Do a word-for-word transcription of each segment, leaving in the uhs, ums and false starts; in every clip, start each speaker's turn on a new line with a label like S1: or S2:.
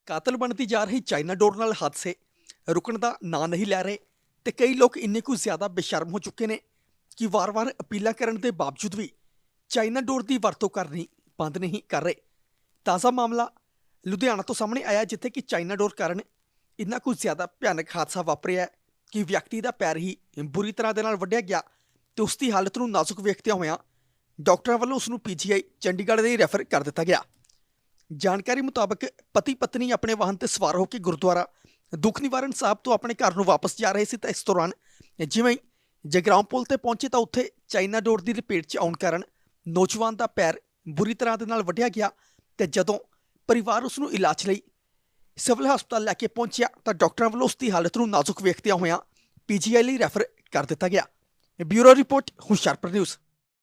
S1: ਕਾਤਲ ਬਣਦੀ ਜਾ ਰਹੀ ਚਾਈਨਾ ਡੋਰ ਨਾਲ ਹਾਦਸੇ ਰੁਕਣ ਦਾ ਨਾਂ ਨਹੀਂ ਲੈ ਰਹੇ ਤੇ ਕਈ ਲੋਕ ਇੰਨੇ ਕੁ ਜ਼ਿਆਦਾ ਬੇਸ਼ਰਮ ਹੋ ਚੁੱਕੇ ਨੇ ਕਿ ਵਾਰ-ਵਾਰ ਅਪੀਲਾਂ ਕਰਨ ਦੇ ਬਾਵਜੂਦ ਵੀ ਚਾਈਨਾ ਡੋਰ ਦੀ ਵਰਤੋਂ ਕਰਨੀ ਬੰਦ ਨਹੀਂ ਕਰ ਰਹੇ। ਤਾਜ਼ਾ ਮਾਮਲਾ ਲੁਧਿਆਣਾ ਤੋਂ ਸਾਹਮਣੇ ਆਇਆ ਜਿੱਥੇ ਕਿ ਚਾਈਨਾ ਡੋਰ ਕਾਰਨ ਇੰਨਾ ਕੁ ਜ਼ਿਆਦਾ ਭਿਆਨਕ ਹਾਦਸਾ ਵਾਪਰਿਆ ਕਿ ਵਿਅਕਤੀ ਦਾ ਪੈਰ ਹੀ ਬੁਰੀ ਤਰ੍ਹਾਂ ਦੇ ਨਾਲ ਵੱਢਿਆ ਗਿਆ ਤੇ ਉਸ ਦੀ ਹਾਲਤ ਨੂੰ ਨਾਜ਼ੁਕ ਵੇਖਦਿਆਂ ਹੋਇਆਂ ਡਾਕਟਰਾਂ ਵੱਲੋਂ ਉਸ ਨੂੰ ਪੀਜੀਆਈ ਚੰਡੀਗੜ੍ਹ ਦੇ ਰੈਫਰ ਕਰ ਦਿੱਤਾ ਗਿਆ। ਜਾਣਕਾਰੀ ਮੁਤਾਬਕ ਪਤੀ ਪਤਨੀ ਆਪਣੇ ਵਾਹਨ ਤੇ ਸਵਾਰ ਹੋ ਕੇ ਗੁਰਦੁਆਰਾ ਦੁੱਖ ਨਿਵਾਰਨ ਸਾਹਿਬ ਤੋਂ ਆਪਣੇ ਘਰ ਨੂੰ ਵਾਪਸ ਜਾ ਰਹੇ ਸੀ ਤਾਂ ਇਸ ਦੌਰਾਨ ਜਿਵੇਂ ਹੀ ਜਗਰਾਉਂ ਪੁਲ ਤੇ ਪਹੁੰਚੇ ਤਾਂ ਉੱਥੇ ਚਾਈਨਾ ਡੋਰ ਦੀ ਲਪੇਟ 'ਚ ਆਉਣ ਕਾਰਨ ਨੌਜਵਾਨ ਦਾ ਪੈਰ ਬੁਰੀ ਤਰ੍ਹਾਂ ਦੇ ਨਾਲ ਵੱਢਿਆ ਗਿਆ ਤੇ ਜਦੋਂ ਪਰਿਵਾਰ ਉਸ ਨੂੰ ਇਲਾਜ ਲਈ ਸਿਵਲ ਹਸਪਤਾਲ ਲੈ ਕੇ ਪਹੁੰਚਿਆ ਤਾਂ ਡਾਕਟਰਾਂ ਵੱਲੋਂ ਉਸ ਦੀ ਹਾਲਤ ਨੂੰ ਨਾਜ਼ੁਕ ਵੇਖਦਿਆਂ ਹੋਇਆਂ ਪੀਜੀਆਈ ਲਈ ਰੈਫਰ ਕਰ ਦਿੱਤਾ ਗਿਆ। Bureau report Hoshiarpur news.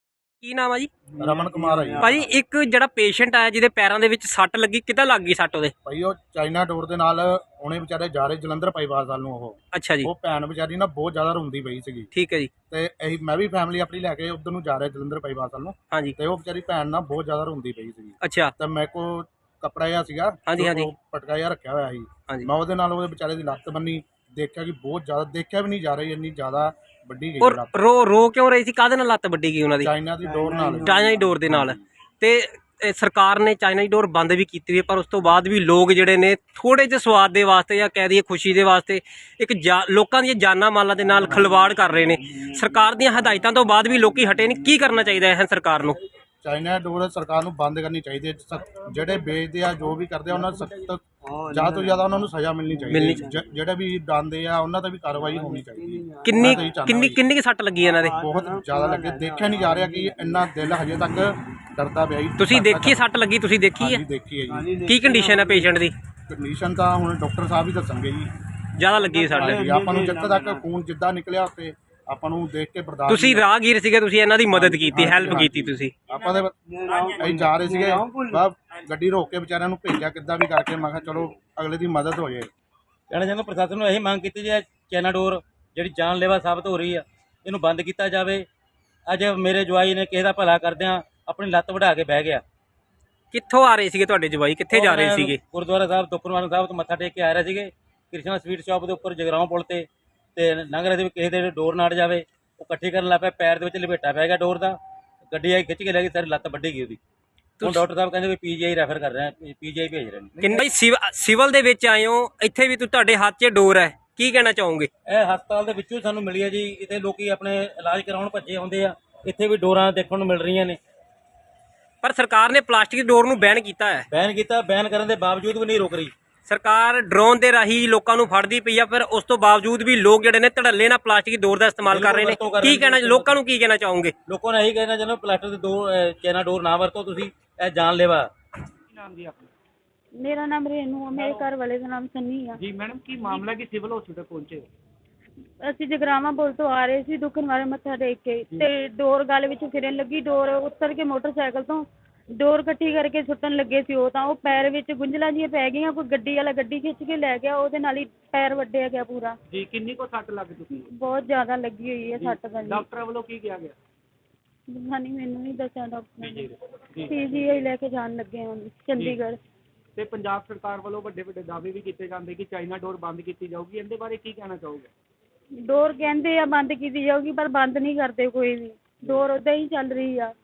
S2: ਕੀ ਨਾਮ ਆ ਜੀ?
S3: ਰਮਨ ਕੁਮਾਰ ਹੈ ਜੀ।
S2: ਭਾਜੀ ਇੱਕ ਜਿਹੜਾ ਪੇਸ਼ੈਂਟ ਆਇਆ ਜਿਹਦੇ ਪੈਰਾਂ ਦੇ ਵਿੱਚ ਸੱਟ ਲੱਗੀ, ਕਿੱਦਾਂ ਲੱਗ ਗਈ ਸੱਟ ਉਹਦੇ?
S3: ਭਾਈ ਉਹ ਚਾਈਨਾ ਡੋਰ ਦੇ ਨਾਲ ਉਹਨੇ ਵਿਚਾਰੇ ਜਾ ਰਹੇ ਜਲੰਧਰ ਪਾਈਵਾਲ ਵੱਲ ਨੂੰ। ਉਹ
S2: ਅੱਛਾ ਜੀ,
S3: ਉਹ ਭੈਣ ਵਿਚਾਰੀ ਨਾ ਬਹੁਤ ਜ਼ਿਆਦਾ ਰੋਂਦੀ ਪਈ ਸੀਗੀ
S2: ਠੀਕ ਹੈ ਜੀ।
S3: ਤੇ ਅਸੀਂ ਮੈਂ ਵੀ ਫੈਮਿਲੀ ਆਪਣੀ ਲੈ ਕੇ ਉਧਰ ਨੂੰ ਜਾ ਰਿਹਾ ਜਲੰਧਰ ਪਾਈਵਾਲ ਵੱਲ ਨੂੰ।
S2: ਹਾਂਜੀ,
S3: ਤੇ ਉਹ ਵਿਚਾਰੀ ਭੈਣ ਨਾ ਬਹੁਤ ਜ਼ਿਆਦਾ ਰੋਂਦੀ ਪਈ ਸੀਗੀ।
S2: ਅੱਛਾ,
S3: ਤੇ ਮੇਰੇ ਕੋਲ ਕੱਪੜਾ ਜਿਹਾ ਸੀਗਾ,
S2: ਹਾਂਜੀ ਹਾਂਜੀ
S3: ਉਹ ਪਟਕਾ ਜਿਹਾ ਰੱਖਿਆ ਹੋਇਆ ਸੀ।
S2: ਹਾਂਜੀ।
S3: ਮੈਂ ਉਹਦੇ ਨਾਲ ਉਹਦੇ ਵਿਚਾਰੇ ਦੀ ਲੱਤ ਬੰਨੀ, ਦੇਖਿਆ ਕਿ ਬਹੁਤ ਜ਼ਿਆਦਾ, ਦੇਖਿਆ ਵੀ ਨਹੀਂ ਜਾ ਰਹੀ, ਇੰਨੀ ਜ਼ਿਆਦਾ ਵੱਡੀ ਗਈ
S2: ਔਰ
S3: ਲੱਤ
S2: ਰੋ ਰੋ ਕਿਉਂ ਰਹੀ ਸੀ? ਕਾਹਦੇ ਨਾਲ ਲੱਤ ਵੱਡੀ ਗਈ ਉਹਨਾਂ ਦੀ?
S3: ਚਾਈਨਾ ਦੀ ਡੋਰ ਨਾਲ।
S2: ਚਾਈਨਾ ਦੀ ਡੋਰ ਦੇ ਨਾਲ। ਤੇ ਇਹ ਸਰਕਾਰ ਨੇ ਚਾਈਨਾ ਦੀ ਡੋਰ ਬੰਦ ਵੀ ਕੀਤੀ ਹੈ, ਪਰ ਉਸ ਤੋਂ ਬਾਅਦ ਵੀ ਲੋਕ ਜਿਹੜੇ ਨੇ ਥੋੜੇ ਜਿਹੇ ਸਵਾਦ ਦੇ ਵਾਸਤੇ ਜਾਂ ਕਹਿ ਦਈਏ ਖੁਸ਼ੀ ਦੇ ਵਾਸਤੇ ਇੱਕ ਜਾ ਲੋਕਾਂ ਦੀਆਂ ਜਾਨਾਂ ਮਾਲਾਂ ਦੇ ਨਾਲ ਖਿਲਵਾੜ ਕਰ ਰਹੇ ਨੇ। ਸਰਕਾਰ ਦੀਆਂ ਹਦਾਇਤਾਂ ਤੋਂ ਬਾਅਦ ਵੀ ਲੋਕੀ ਹਟੇ ਨਹੀਂ। ਕੀ ਕਰਨਾ ਚਾਹੀਦਾ ਹੈ ਸਰਕਾਰ ਨੂੰ?
S3: ਚਾਈਨਾ ਡੋਰ ਸਰਕਾਰ ਨੂੰ ਬੰਦ ਕਰਨੀ ਚਾਹੀਦੀ ਹੈ। ਸਖ਼ਤ ਜਿਹੜੇ ਵੇਚਦੇ ਆ, ਜੋ ਵੀ ਕਰਦੇ ਆ, ਉਹਨਾਂ ਨੂੰ ਸਖਤ ਜ਼ਿਆਦਾ ਤੋਂ ਜ਼ਿਆਦਾ ਉਹਨਾਂ ਨੂੰ ਸਜ਼ਾ ਮਿਲਣੀ ਚਾਹੀਦੀ ਹੈ। ਜ- ਜਿਹੜੇ ਵੀ ਡਾਂਦੇ ਆ ਉਹਨਾਂ ਤੇ ਵੀ ਕਾਰਵਾਈ ਹੋਣੀ ਚਾਹੀਦੀ ਹੈ।
S2: ਕਿੰਨੀ
S3: ਮੈਂ ਤਾਂ ਇਹੀ ਚਾਹੁੰਦਾ
S2: ਕਿੰਨੀ
S3: ਜੀ।
S2: ਕਿੰਨੀ ਕੁ ਸੱਟ ਲੱਗੀ ਇਹਨਾਂ ਦੇ?
S3: ਬਹੁਤ ਜ਼ਿਆਦਾ ਲੱਗੇ, ਦੇਖਿਆ ਨਹੀਂ ਜਾ ਰਿਹਾ ਕਿ ਇੰਨਾ ਦਿਲ ਹਜੇ ਤੱਕ ਡਰਦਾ ਪਿਆ ਜੀ।
S2: ਤੁਸੀਂ ਦੇਖੀ ਸੱਟ ਲੱਗੀ? ਤੁਸੀਂ ਦੇਖੀ
S3: ਹਾਂਜੀ
S2: ਹੈ?
S3: ਦੇਖੀ ਹੈ ਜੀ।
S2: ਕੀ ਕੰਡੀਸ਼ਨ ਹੈ ਪੇਸ਼ੈਂਟ ਦੀ?
S3: ਕੰਡੀਸ਼ਨ ਤਾਂ ਹੁਣ ਡਾਕਟਰ ਸਾਹਿਬ ਹੀ ਦੱਸਣਗੇ ਜੀ।
S2: ਜ਼ਿਆਦਾ ਲੱਗੀ ਹੈ ਸੱਟ?
S3: ਹਾਂਜੀ, ਆਪਾਂ ਨੂੰ ਜਿੱਥੇ ਤੱਕ ਖੂਨ ਜਿੱਦਾਂ ਨਿਕਲਿਆ ਉੱਤੇ ਆਪਾਂ ਨੂੰ ਦੇਖ ਕੇ ਬਰਦਾਸ਼ਤ
S2: ਤੁਸੀਂ
S3: ਨਹੀਂ-
S2: ਰਾਹਗੀਰ ਸੀਗੇ, ਤੁਸੀਂ ਇਹਨਾਂ ਦੀ ਮਦਦ ਕੀਤੀ,
S3: ਹਾਂਜੀ,
S2: ਹੈਲਪ
S3: ਹਾਂਜੀ।
S2: ਕੀਤੀ ਤੁਸੀਂ?
S3: ਆਪਾਂ ਦੇ ਅਸੀਂ ਜਾ ਰਹੇ ਸੀਗੇ, ਬਸ ਗੱਡੀ ਰੋਕ ਕੇ ਵਿਚਾਰਿਆਂ ਨੂੰ ਭੇਜਿਆ ਕਿੱਦਾਂ ਵੀ ਕਰਕੇ। ਮੈਂ ਕਿਹਾ ਚਲੋ ਅਗਲੇ ਦੀ ਮਦਦ ਹੋ ਜਾਏ।
S4: ਕਹਿਣਾ ਚਾਹੁੰਦਾ ਪ੍ਰਸ਼ਾਸਨ ਨੂੰ ਇਹੀ ਮੰਗ ਕੀਤੀ ਜਾਏ, ਚਾਈਨਾ ਡੋਰ ਜਿਹੜੀ ਜਾਨਲੇਵਾ ਸਾਬਤ ਹੋ ਰਹੀ ਆ, ਇਹਨੂੰ ਬੰਦ ਕੀਤਾ ਜਾਵੇ। ਅੱਜ ਮੇਰੇ ਜਵਾਈ ਨੇ ਕਿਸੇ ਦਾ ਭਲਾ ਕਰਦਿਆਂ ਆਪਣੀ ਲੱਤ ਵਢਾ ਕੇ ਬਹਿ ਗਿਆ।
S2: ਕਿੱਥੋਂ ਆ ਰਹੇ ਸੀਗੇ ਤੁਹਾਡੇ ਜਵਾਈ? ਕਿੱਥੇ ਜਾ ਰਹੇ ਸੀਗੇ?
S4: ਗੁਰਦੁਆਰਾ ਸਾਹਿਬ ਦੁੱਖਨਿਵਾਰਨ ਸਾਹਿਬ ਤੋਂ ਮੱਥਾ ਟੇਕ ਕੇ ਆ ਰਹੇ ਸੀਗੇ। ਕ੍ਰਿਸ਼ਨਾ ਸਵੀਟ ਸ਼ਾਪ ਦੇ ਉੱਪਰ ਜਗਰਾਉਂ ਪੁਲ ਤੇ ਤੇ ਲੰਘ ਰਹੇ ਸੀ, ਕਿਸੇ ਦੇ ਡੋਰ ਨਾੜ ਜਾਵੇ। ਉਹ ਇਕੱਠੀ ਕਰਨ ਲੱਗ ਪਿਆ, ਪੈਰ ਦੇ ਵਿੱਚ ਲਪੇਟਾ ਪੈ ਗਿਆ ਡੋਰ ਦਾ। ਗੱਡੀ ਆਈ ਖਿੱਚ ਕੇ ਲੈ ਗਈ, ਸਾਰੀ ਲੱਤ ਵੱਢੀ ਗਈ ਉਹਦੀ। ਹੁਣ ਡਾਕਟਰ ਸਾਹਿਬ ਕਹਿੰਦੇ ਵੀ ਪੀਜੀਆਈ ਰੈਫਰ ਕਰ ਰਹੇ ਆ, ਪੀਜੀਆਈ ਭੇਜ ਰਹੇ ਨੇ।
S2: ਕਿੰਨੇ ਸਿਵਲ ਦੇ ਵਿੱਚ ਆਏ ਹੋ, ਇੱਥੇ ਵੀ ਤੁਹਾਡੇ ਹੱਥ 'ਚ ਡੋਰ ਹੈ, ਕੀ ਕਹਿਣਾ ਚਾਹੋਗੇ?
S4: ਇਹ ਹਸਪਤਾਲ ਦੇ ਵਿੱਚੋਂ ਸਾਨੂੰ ਮਿਲੀ ਹੈ ਜੀ। ਇੱਥੇ ਲੋਕੀ ਆਪਣੇ ਇਲਾਜ ਕਰਾਉਣ ਭੱਜੇ ਹੁੰਦੇ ਆ, ਇੱਥੇ ਵੀ ਡੋਰਾਂ ਦੇਖਣ ਨੂੰ ਮਿਲ ਰਹੀਆਂ ਨੇ।
S2: ਪਰ ਸਰਕਾਰ ਨੇ ਪਲਾਸਟਿਕ ਡੋਰ ਨੂੰ ਬੈਨ ਕੀਤਾ ਹੈ।
S4: ਬੈਨ ਕੀਤਾ, ਬੈਨ ਕਰਨ ਦੇ ਬਾਵਜੂਦ ਵੀ ਨਹੀਂ ਰੁਕ ਰਹੀ
S2: ਸਰਕਾਰ ਡਰੋਨ ਦੇ ਰਾਹੀਂ ਲੋਕਾਂ ਨੂੰ ਫੜਦੀ ਪਈ ਆ, ਪਰ ਉਸ ਤੋਂ ਬਾਵਜੂਦ ਵੀ ਲੋਕ ਜਿਹੜੇ ਨੇ ਧੜੱਲੇ ਨਾਲ ਪਲਾਸਟਿਕ ਡੋਰ ਦਾ ਇਸਤੇਮਾਲ ਕਰ ਰਹੇ ਨੇ। ਕੀ ਕਹਿਣਾ ਲੋਕਾਂ ਨੂੰ, ਕੀ ਕਹਿਣਾ ਚਾਹੋਗੇ?
S4: ਲੋਕਾਂ ਨੇ ਇਹੀ ਕਹਿਣਾ ਚਾਹੁੰਦੇ ਪਲਾਸਟਿਕ ਦੇ ਦੋ ਅਹ, ਚਾਈਨਾ ਡੋਰ ਨਾ ਵਰਤੋ, ਤੁਸੀਂ ਇਹ ਜਾਨਲੇਵਾ।
S5: ਮੇਰਾ ਨਾਮ ਰੇਨੂ ਆ, ਮੇਰੇ ਘਰ ਵਾਲੇ ਦਾ ਨਾਮ ਸੰਨੀ ਆ
S6: ਜੀ। ਮੈਡਮ ਕੀ ਮਾਮਲਾ ਕਿ ਸਿਵਲ ਹਸਪੀਟਲ ਪਹੁੰਚੇ?
S5: ਅਸੀਂ ਜਗਰਾਵਾਂ ਪੁਲ ਤੋਂ ਆ ਰਹੇ ਸੀ ਦੁੱਖ ਨਿਵਾਰਨ ਮੱਥਾ ਟੇਕ ਕੇ, ਤੇ ਡੋਰ ਗਲ ਵਿੱਚ ਫਿਰਨ ਲੱਗੀ। ਡੋਰ ਉੱਤਰ ਕੇ ਮੋਟਰਸਾਈਕਲ ਤੋਂ ਡੋਰ ਇਕੱਠੀ ਕਰਕੇ ਸੁੱਟਣ ਲੱਗੇ ਸੀ। ਉਹ ਤਾਂ ਉਹ ਪੈਰ ਵਿੱਚ ਗੁੰਝਲਾਂ ਜਿਹੀਆਂ ਪੈ ਗਈਆਂ। ਕੋਈ ਗੱਡੀ ਵਾਲਾ ਗੱਡੀ ਖਿੱਚ ਕੇ ਲੈ ਗਿਆ, ਉਹਦੇ ਨਾਲ ਹੀ ਪੈਰ ਵੱਢਿਆ ਗਿਆ ਪੂਰਾ।
S6: ਜੀ ਕਿੰਨੀ ਕੋ ਸੱਟ ਲੱਗ ਚੁੱਕੀ?
S5: ਬਹੁਤ ਜ਼ਿਆਦਾ ਲੱਗੀ ਹੋਈ ਹੈ ਸੱਟ ਦਾ ਜੀ।
S6: ਡਾਕਟਰ ਵੱਲੋਂ ਕੀ ਕਿਹਾ ਗਿਆ?
S5: ਨਹੀਂ, ਮੈਨੂੰ ਨਹੀਂ ਦੱਸਿਆ ਡਾਕਟਰ ਨੇ।
S6: ਜੀ ਜੀ।
S5: ਪੀਜੀਆਈ ਲੈ ਕੇ ਜਾਣ ਲੱਗੇ ਹਾਂ ਚੰਡੀਗੜ੍ਹ।
S6: ਤੇ ਪੰਜਾਬ ਸਰਕਾਰ ਵੱਲੋਂ ਵੱਡੇ ਵੱਡੇ ਦਾਅਵੇ ਵੀ ਕੀਤੇ ਜਾਂਦੇ ਕਿ ਚਾਈਨਾ ਡੋਰ ਬੰਦ ਕੀਤੀ ਜਾਊਗੀ, ਇਹਦੇ ਬਾਰੇ ਕੀ ਕਹਿਣਾ ਚਾਹੋਗੇ?
S5: ਡੋਰ ਕਹਿੰਦੇ ਆ ਬੰਦ ਕੀਤੀ ਜਾਊਗੀ, ਪਰ ਬੰਦ ਨਹੀਂ ਕਰਦੇ ਕੋਈ ਵੀ। ਡੋਰ ਉਦਾਂ ਹੀ ਚੱਲ ਰਹੀ ਆ।